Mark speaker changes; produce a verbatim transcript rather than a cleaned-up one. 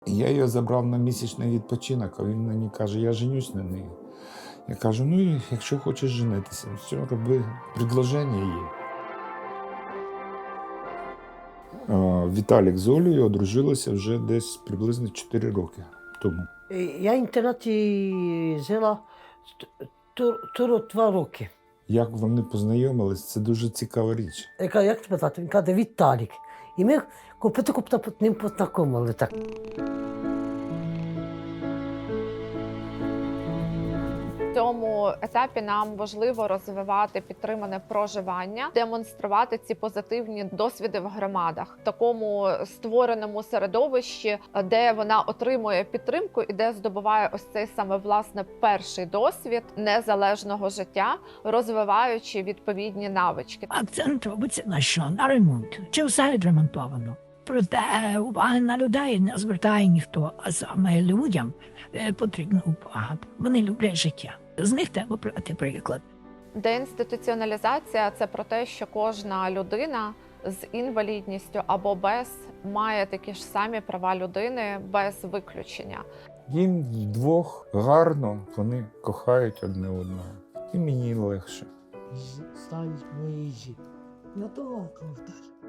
Speaker 1: Я її забрав на місячний відпочинок, а він мені каже, я женюсь на неї. Я кажу, ну, якщо хочеш женитися, все, роби, предложення є. Віталік з Олею одружилися вже десь приблизно чотири роки тому.
Speaker 2: Я в інтернаті жила тут два роки.
Speaker 1: Як вони познайомились, це дуже цікава річ.
Speaker 2: Я кажу, як тебе звати? Він каже, Віталік. І ми купити-купити ним познайомили так.
Speaker 3: В цьому етапі нам важливо розвивати підтримане проживання, демонструвати ці позитивні досвіди в громадах, в такому створеному середовищі, де вона отримує підтримку і де здобуває ось цей саме власне перший досвід незалежного життя, розвиваючи відповідні навички.
Speaker 4: Акцент робиться на що? На ремонт. Чи все відремонтовано? Проте уваги на людей не звертає ніхто, а саме людям потрібна увага. Вони люблять життя. З них треба брати приклад.
Speaker 3: Деінституціоналізація – це про те, що кожна людина з інвалідністю або без має такі ж самі права людини без виключення.
Speaker 1: Їм вдвох гарно, вони кохають одне одного. І мені легше.
Speaker 2: Стань мої. Ну то,